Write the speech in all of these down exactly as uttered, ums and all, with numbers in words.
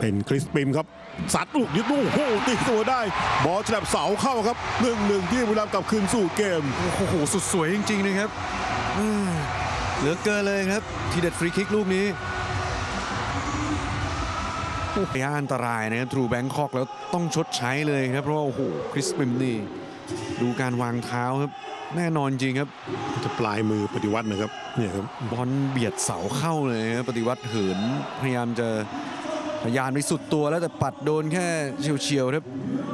เป็นคริสปิมครับสัดลูกยึดลูกโอ้โหตีตัวได้บอลฉลับเสาเข้าครับหนึ่งหนึ่งที่บุรีรัมย์กลับคืนสู่เกมโอ้โหสุดสวยจริงๆนะครับเหลือเกินเลยครับทีเด็ดฟรีคิกลูกนี้ระยะอันตรายนะครับทรูแบงคอกแล้วต้องชดใช้เลยครับเพราะว่าโอ้โหคริสปิมนี่ดูการวางเท้าครับแน่นอนจริงครับจะปลายมือปฏิวัตินะครับเนี่ยครับบอลเบียดเสาเข้าเลยครับปฏิวัติเหินพยายามจะพยายามไปสุดตัวแล้วแต่ปัดโดนแค่เฉียวๆครับ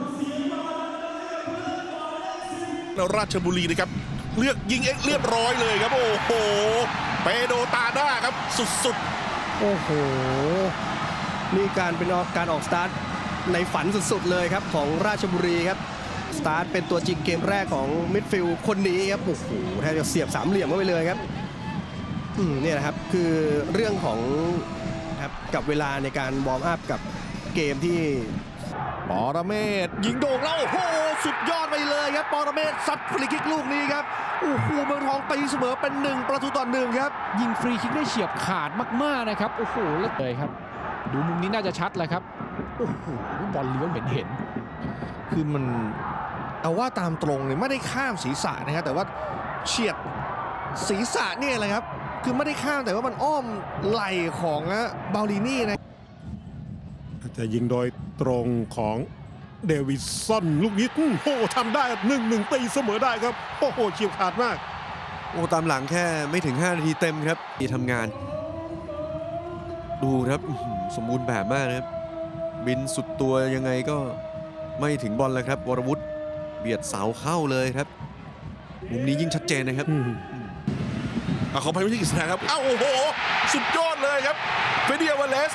แล้วราชบุรีนะครับเลือกยิงเองเรียบร้อยเลยครับโอ้โหเปโดตาด้าครับสุดๆโอ้โหนี่การเป็นการออกสตาร์ทในฝันสุดๆเลยครับของราชบุรีครับสตาร์ทเป็นตัวจริงเกมแรกของมิดฟิลด์คนนี้ครับโอ้โหแทบจะเสียบสามเหลี่ยมเข้าไปเลยครับอืมเนี่ยนะครับคือเรื่องของครับกับเวลาในการวอร์มอัพกับเกมที่ปรเมศยิงโด่งแล้วโอ้โหสุดยอดไปเลยครับปรเมศซัดฟรีคิกลูกนี้ครับโอ้โหเมืองทองตีเสมอเป็นหนึ่งประตูต่อหนึ่งครับยิงฟรีคิกได้เฉียบขาดมากๆนะครับโอ้โหเลยครับดูมุมนี้น่าจะชัดเลยครับโอ้โหบอลเลี้ยวเห็นเห็นคือมันเอาว่าตามตรงเนี่ยไม่ได้ข้ามศีรษะนะครับแต่ว่าเฉียดศีรษะเนี่ยแหละครับคือไม่ได้ข้ามแต่ว่ามันอ้อมไหล่ของบาลินี่นะจะยิงโดยตรงของเดวิดสันลูกนี้โอ้โหทำได้หนึ่งหนึ่งตีเสมอได้ครับโอ้โหเฉียบขาดมากโอ้ตามหลังแค่ไม่ถึงห้านาทีเต็มครับที่ทำงานดูครับสมบูรณ์แบบมากนะครับบินสุดตัวยังไงก็ไม่ถึงบอลเลยครับวรวุฒิเบียดเสาเข้าเลยครับมุมนี้ยิ่งชัดเจนนะครับเอาเขาไปไม่ใช่กิษณะครับอ้าวโอ้โหสุดยอดเลยครับเฟเดียวาเลส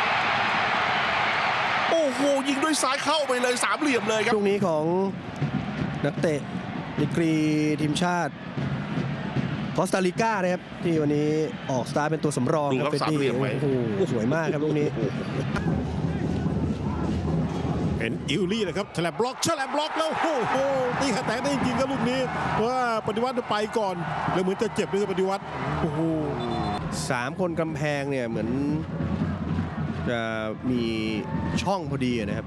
โอ้โหยิงด้วยซ้ายเข้าไปเลยสามเหลี่ยมเลยครับลูกนี้ของนักเตะดีกรีทีมชาติคอสตาริกานะครับที่วันนี้ออกสตาร์เป็นตัวสำรองครับเฟเดียโอ้โหสวยมากครับลูกนี้เป็นอิลลี่นะครับฉลับบล็อกฉลับบล็อกแล้วโอ้โหตีขาแตกได้จริงๆครับลูกนี้ว่าปฏิวัติไปก่อนแล้วเหมือนจะเจ็บด้วยปฏิวัติโอ้โหสามคนกำแพงเนี่ยเหมือนจะมีช่องพอดีนะครับ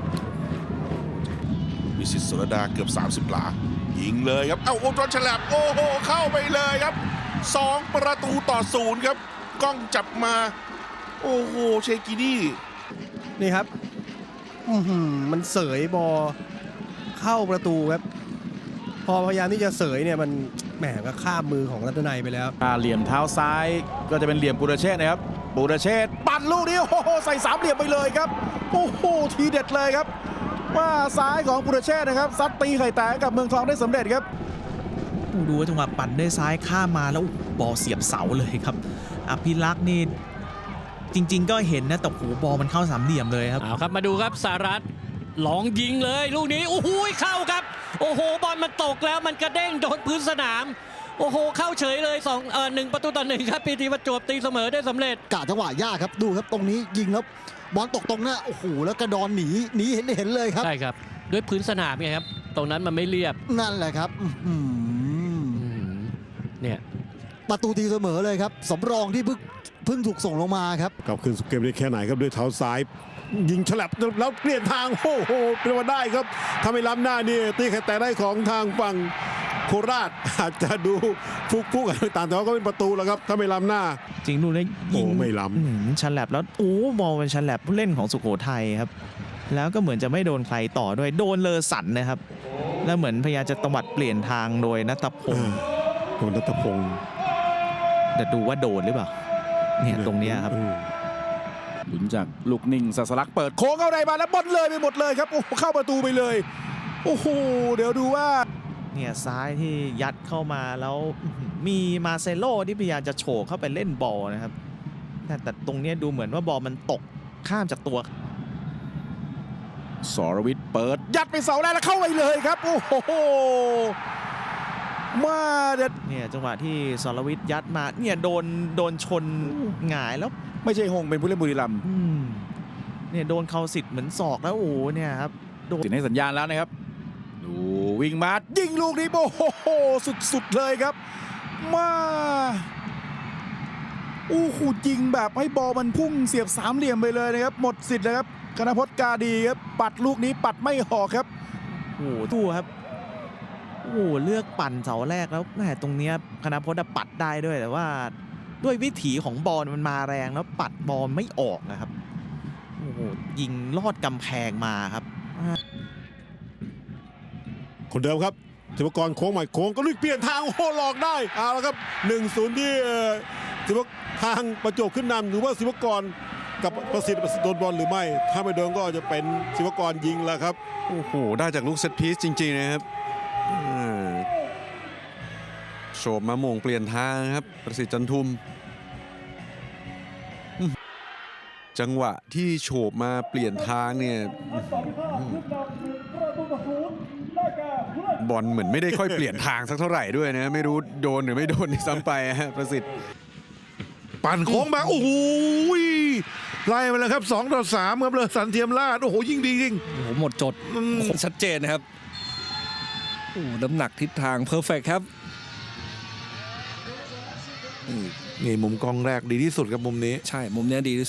วิสิตสุรดาเกือบสามสิบหลายิงเลยครับเอ้าโอ้โหฉลับโอ้โหเข้าไปเลยครับสองประตูต่อศูนย์ครับกล้องจับมาโอ้โหเชกินี่นี่ครับมันเสยบอลเข้าประตูครับพอพยายามที่จะเสยเนี่ยมันแหมก็ข้ามมือของรัตนัยไปแล้วเหลี่ยมเท้าซ้ายก็จะเป็นเหลี่ยมปุรเชษนะครับปุรเชษปั่นลูกนี้โอ้โหใส่สามเหลี่ยมไปเลยครับโอ้โหทีเด็ดเลยครับว่าซ้ายของปุรเชษนะครับซัดตีไข่แตกกับเมืองทองได้สำเร็จครับดูจังหวะปั่นด้วยซ้ายข้ามมาแล้วบอลเสียบเสาเลยครับอภิรักษ์นี่จริงๆก็เห็นนะแต่โหบอลมันเข้าสามเหลี่ยมเลยครับเอาครับมาดูครับสหรัฐลองยิงเลยลูกนี้โอ้โหเข้าครับโอ้โหบอลมันตกแล้วมันกระเด้งโดนพื้นสนามโอ้โหเข้าเฉยเลยสองเอ่อหนึ่งประตูต่อหนึ่งครับปีทีประจวบตีเสมอได้สำเร็จกะจังหวะยากครับดูครับตรงนี้ยิงแล้วบอลตกตรงหน้าโอ้โหแล้วกระดอนหนีหนีเห็นเห็นเลยครับใช่ครับด้วยพื้นสนามไงครับตรงนั้นมันไม่เรียบนั่นแหละครับเนี่ยประตูตีเสมอเลยครับสำรองที่เพิ่งเพิ่งถูกส่งลงมาครับกลับคืนสู่เกมได้แค่ไหนครับด้วยเท้าซ้ายยิงฉลับแล้วเปลี่ยนทางโอ้โหเป็นว่าได้ครับทำให้ล้ำหน้านี่ตีแค่แต่ได้ของทางฝั่งโคราชอาจจะดูฟุกๆอะไรต่างแต่ว่าก็เป็นประตูแล้วครับถ้าไม่ล้ำหน้าจริงดูเลยยิงไม่ล้ำฉลับแล้วโอ้บอลเป็นฉลับผู้เล่นของสุโขทัยครับแล้วก็เหมือนจะไม่โดนใครต่อด้วยโดนเลอสันนะครับแล้วเหมือนพยายามจะตวัดเปลี่ยนทางโดยณัฐพงศ์โดนณัฐพงศ์แต่ดูว่าโดนหรือเปล่าเนี่ยตรงนี้ครับหลุนจากลูกนิ่งสัสลักเปิดโค้งเข้าในมาแล้วบอลเลยไปหมดเลยครับโอ้เข้าประตูไปเลยโอ้โหเดี๋ยวดูว่าเนี่ยซ้ายที่ยัดเข้ามาแล้วมีมาเซโลที่พยายามจะโฉบเข้าไปเล่นบอลนะครับแต่แต่ตรงนี้ดูเหมือนว่าบอลมันตกข้ามจากตัวสรวิทย์เปิดยัดไปเสาแรกแล้วเข้าไปเลยครับโอ้โหมาเด็ดเนี่ยจังหวะที่สรวิทย์ยัดมาเนี่ยโดนโดนชนหงายแล้วไม่ใช่หงเป็นผู้เล่นบุรีรัมย์เนี่ยโดนเขาสิทธิ์เหมือนศอกแล้วโอ้เนี่ยครับโดนให้สัญญาณแล้วนะครับดูวิ่งมายิงลูกนี้โอ้โหสุดๆเลยครับมาโอ้โหยิงแบบให้บอลมันพุ่งเสียบสามเหลี่ยมไปเลยนะครับหมดสิทธิ์นะครับคณพจน์กาดีครับปัดลูกนี้ปัดไม่ออกครับโอ้โหดูครับโอ้โหเลือกปั่นเสาแรกแล้วแหมตรงเนี้ยคณพจน์อะปัดได้ด้วยแต่ว่าด้วยวิถีของบอลมันมาแรงแล้วปัดบอลไม่ออกนะครับโอ้โหยิงลอดกำแพงมาครับคนเดิมครับศิวกรโค้งใหม่โค้งก็ลุยเปลี่ยนทางโอ้โหหลอกได้เอาละครับ หนึ่งศูนย์ ที่เอ่อศิวกทางประจวบขึ้นนำหรือว่าศิวกรกับประสิทธิ์ประสิทธิ์โดนบอลหรือไม่ ถ้าไม่โดนก็จะเป็นศิวกรยิงแล้วครับโอ้โห ได้จากลูกเซตพีซจริง ๆ นะครับอ่าโฉบมาโมงเปลี่ยนทางครับ ประสิทธิ์จันทุมอืมจังหวะที่โฉบมาเปลี่ยนทางเนี่ยอืมบอลเหมือนไม่ได้ค่อยเปลี่ยนทางสักเท่าไหร่ด้วยนะ ไม่รู้โดนหรือไม่โดนซ้ำไปฮะประสิทธิ์ปั่นโค้งมาโอ้โหไล่ไปเลยครับสองต่อสามครับเลยสันเทียมราชโอ้โหยิ่งดีจริงโอ้โหหมดจดอืมชัดเจนนะครับโอ้โหน้ำหนักทิศทางเพอร์เฟกครับนี่มุมกล้องแรกดีที่สุดครับมุมนี้ใช่ มุมเนี้ยดีที่